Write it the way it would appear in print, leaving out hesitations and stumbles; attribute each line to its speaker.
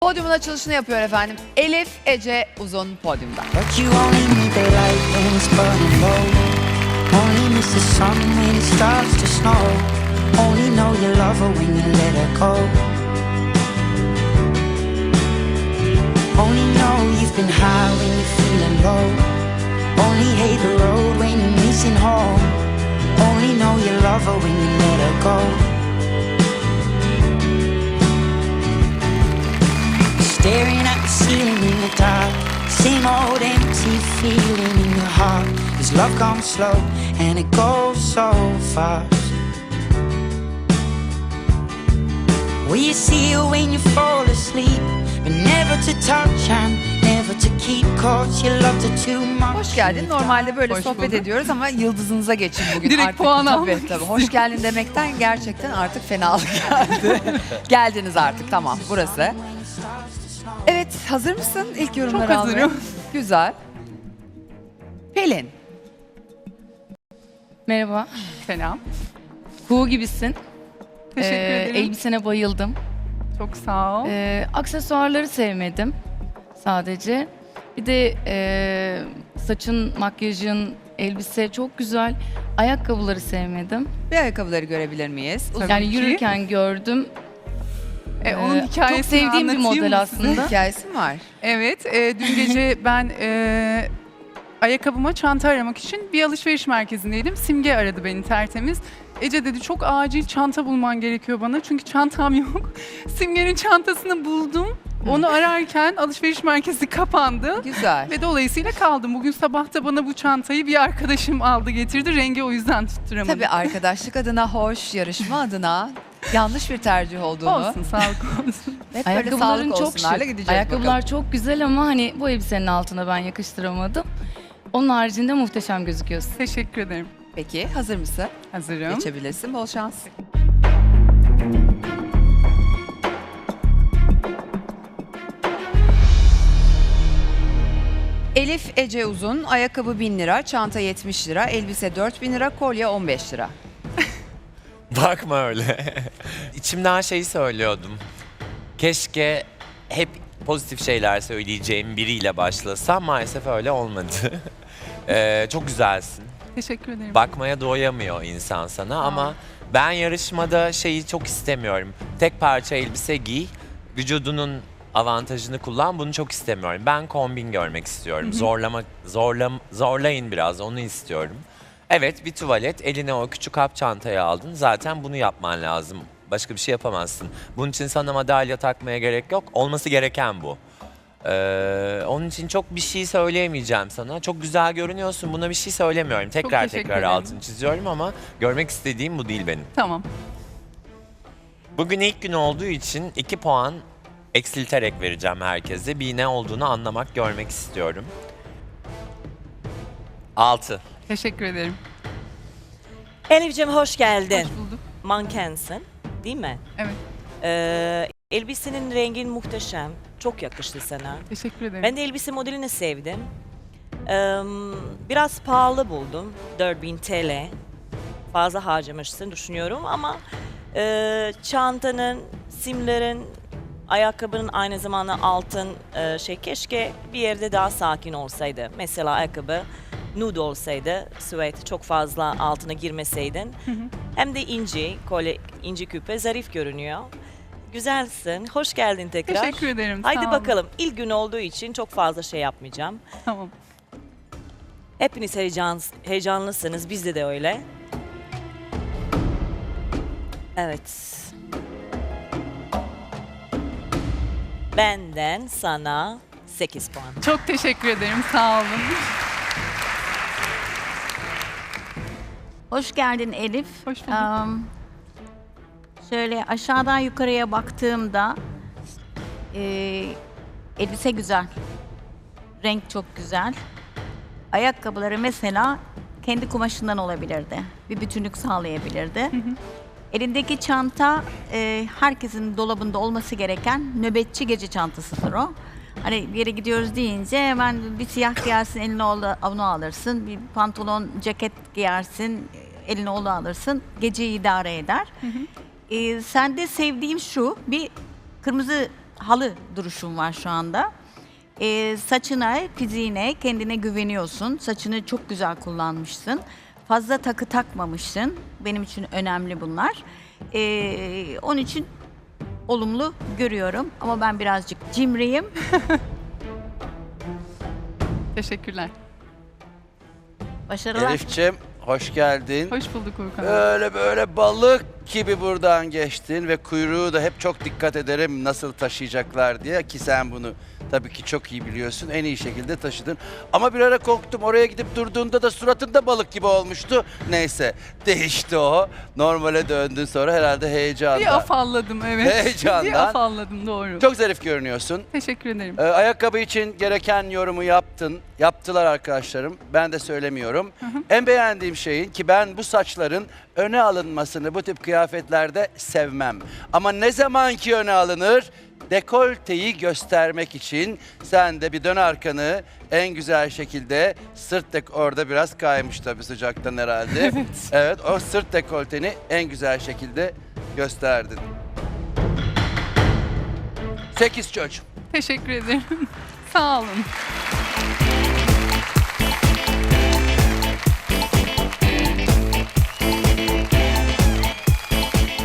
Speaker 1: Podyumun açılışını yapıyor efendim. Elif Ece Uzun podyumda.
Speaker 2: But you only need daylight when it's burning low. Only miss the sun when it starts to snow. Only know you love her when you let her go. Only know you've been high when you're feeling low. Only hate the road when you're missing home. Only know you love her when you let her go. Staring at the ceiling in the dark. Same old empty feeling in your heart. 'Cause love comes slow and it goes so fast. Will you see her when you fall asleep? But never to touch and never to keep. 'Cause you loved her too much.
Speaker 1: Hoş geldin. Normalde böyle
Speaker 3: Hoş
Speaker 1: sohbet
Speaker 3: bulduk.
Speaker 1: ediyoruz ama yıldızınıza geçin bugün.
Speaker 3: Direkt
Speaker 1: artık,
Speaker 3: puan
Speaker 1: tabii,
Speaker 3: almak
Speaker 1: tabii. Hoş geldin demekten gerçekten artık fenalık geldi. Geldiniz artık, tamam, burası. Evet, hazır mısın ilk yorumları
Speaker 3: Çok
Speaker 1: almaya?
Speaker 3: hazırım.
Speaker 1: Güzel. Pelin.
Speaker 4: Merhaba.
Speaker 3: Selam.
Speaker 4: Kuğu gibisin.
Speaker 3: Teşekkür ederim.
Speaker 4: Elbisene bayıldım.
Speaker 3: Çok sağ ol.
Speaker 4: Aksesuarları sevmedim sadece. Bir de saçın, makyajın, elbise çok güzel. Ayakkabıları sevmedim.
Speaker 1: Bir ayakkabıları görebilir miyiz? Uzun
Speaker 4: Yani
Speaker 3: ki.
Speaker 4: yürürken gördüm.
Speaker 3: Onun
Speaker 4: Çok
Speaker 3: hikayesini
Speaker 4: sevdiğim bir
Speaker 3: anlatayım
Speaker 4: model
Speaker 3: mı size?
Speaker 4: aslında.
Speaker 1: hikayesi mi var?
Speaker 3: Evet, dün gece ben ayakkabıma çanta aramak için bir alışveriş merkezindeydim. Simge aradı beni tertemiz. Ece dedi çok acil çanta bulman gerekiyor bana çünkü çantam yok. Simge'nin çantasını buldum. Onu ararken alışveriş merkezi kapandı.
Speaker 1: Güzel.
Speaker 3: Ve dolayısıyla kaldım. Bugün sabah da bana bu çantayı bir arkadaşım aldı getirdi. Rengi o yüzden tutturamadım.
Speaker 1: Tabii arkadaşlık adına hoş, yarışma adına yanlış bir tercih olduğunu.
Speaker 3: Olsun, sağlık olsun.
Speaker 1: Hep böyle
Speaker 4: Ayakkabıların
Speaker 1: sağlık
Speaker 4: çok
Speaker 1: olsunlarla
Speaker 4: şık.
Speaker 1: gideceğiz
Speaker 4: Ayakkabılar
Speaker 1: bakalım.
Speaker 4: çok güzel ama hani bu elbisenin altına ben yakıştıramadım. Onun haricinde muhteşem gözüküyorsun.
Speaker 3: Teşekkür ederim.
Speaker 1: Peki, hazır mısın?
Speaker 3: Hazırım.
Speaker 1: Geçebilirsin. Bol şans. Elif Ece Uzun, ayakkabı 1000 lira, çanta 70 lira, elbise 4000 lira, kolye 15 lira.
Speaker 5: Bakma öyle. İçimden şeyi söylüyordum. Keşke hep pozitif şeyler söyleyeceğim biriyle başlasam, maalesef öyle olmadı. Çok güzelsin.
Speaker 3: Teşekkür ederim.
Speaker 5: Bakmaya doyamıyor insan sana ama ben yarışmada şeyi çok istemiyorum. Tek parça elbise giy, vücudunun avantajını kullan, bunu çok istemiyorum. Ben kombin görmek istiyorum. Zorlayın biraz, onu istiyorum. Evet, bir tuvalet, eline o küçük hap çantayı aldın. Zaten bunu yapman lazım. Başka bir şey yapamazsın. Bunun için sana madalya takmaya gerek yok. Olması gereken bu. Onun için çok bir şey söyleyemeyeceğim sana. Çok güzel görünüyorsun. Buna bir şey söylemiyorum. Tekrar
Speaker 3: teşekkür
Speaker 5: tekrar
Speaker 3: ederim.
Speaker 5: altını çiziyorum ama görmek istediğim bu değil benim.
Speaker 3: Tamam.
Speaker 5: Bugün ilk gün olduğu için 2 puan eksilterek vereceğim herkese. Bir ne olduğunu anlamak, görmek istiyorum. 6.
Speaker 3: Teşekkür ederim.
Speaker 6: Elif'ciğim hoş geldin.
Speaker 3: Hoş bulduk.
Speaker 6: Mankensin, değil mi?
Speaker 3: Evet.
Speaker 6: Elbisenin rengin muhteşem. Çok yakıştı sana.
Speaker 3: Teşekkür ederim.
Speaker 6: Ben de elbise modelini sevdim. Biraz pahalı buldum. 4000 TL. Fazla harcamışsın düşünüyorum ama çantanın, simlerin, ayakkabının aynı zamanda altın keşke bir yerde daha sakin olsaydı. Mesela ayakkabı nude olsaydı, süet çok fazla altına girmeseydin. Hem de inci, kolye, inci küpe zarif görünüyor. Güzelsin. Hoş geldin tekrar.
Speaker 3: Teşekkür ederim.
Speaker 6: Haydi
Speaker 3: sağ olun.
Speaker 6: bakalım. İlk gün olduğu için çok fazla şey yapmayacağım.
Speaker 3: Tamam.
Speaker 6: Hepiniz heyecanlısınız. Bizde de öyle. Evet. Benden sana 8 puan.
Speaker 3: Çok teşekkür ederim. Sağ olun.
Speaker 7: Hoş geldin Elif.
Speaker 3: Hoş bulduk.
Speaker 7: Şöyle aşağıdan yukarıya baktığımda elbise güzel. Renk çok güzel. Ayakkabıları mesela kendi kumaşından olabilirdi. Bir bütünlük sağlayabilirdi. Elindeki çanta herkesin dolabında olması gereken nöbetçi gece çantasıdır o. Hani bir yere gidiyoruz deyince hemen bir siyah giyersin, eline onu alırsın. Bir pantolon, ceket giyersin, eline onu alırsın. Geceyi idare eder. Sende sevdiğim şu, bir kırmızı halı duruşun var şu anda. Saçına, fiziğine, kendine güveniyorsun. Saçını çok güzel kullanmışsın. Fazla takı takmamışsın. Benim için önemli bunlar. Onun için olumlu görüyorum. Ama ben birazcık cimriyim.
Speaker 3: Teşekkürler.
Speaker 7: Başarılar.
Speaker 8: Elif'ciğim hoş geldin.
Speaker 3: Hoş bulduk Uğurkan.
Speaker 8: Böyle balık gibi buradan geçtin ve kuyruğu da hep çok dikkat ederim nasıl taşıyacaklar diye, ki sen bunu tabii ki çok iyi biliyorsun. En iyi şekilde taşıdın. Ama bir ara korktum, oraya gidip durduğunda da suratında balık gibi olmuştu. Neyse, değişti o. Normale döndün sonra herhalde heyecandan.
Speaker 3: Bir afalladım, evet.
Speaker 8: Heyecandan.
Speaker 3: Bir afalladım, doğru.
Speaker 8: Çok zarif görünüyorsun.
Speaker 3: Teşekkür ederim.
Speaker 8: Ayakkabı için gereken yorumu yaptın. Yaptılar arkadaşlarım. Ben de söylemiyorum. En beğendiğim şeyin, ki ben bu saçların öne alınmasını bu tip kıyafetlerde sevmem. Ama ne zaman ki öne alınır, dekolteyi göstermek için sen de bir dön arkanı en güzel şekilde, orada biraz kaymış tabii sıcaktan herhalde. Evet, o sırt dekolteni en güzel şekilde gösterdin. 8 çocuğum.
Speaker 3: Teşekkür ederim. Sağ olun.